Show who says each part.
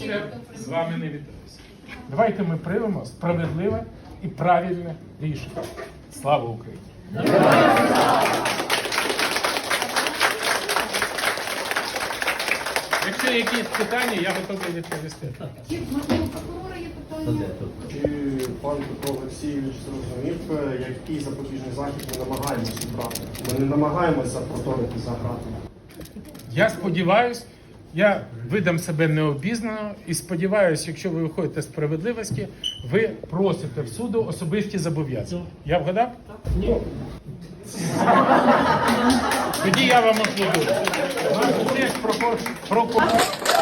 Speaker 1: давайте з вами не вітатися. Давайте ми приймемо справедливе і правильне рішення. Слава Україні! Якщо якісь питання, я готовий відповісти.
Speaker 2: Можливо, у прокурора є питання?
Speaker 3: Чи пан Петро Олексійович зрозумів, який запобіжний захід ми намагаємося брати? Ми не намагаємося проторити за гратами.
Speaker 1: Я сподіваюся, я видам себе необізнано і сподіваюся, якщо ви виходите з справедливості, ви просите в суду особисті зобов'язання. Я вгадав? Ні. Тоді я вам аплодую. Наш теж прокурор.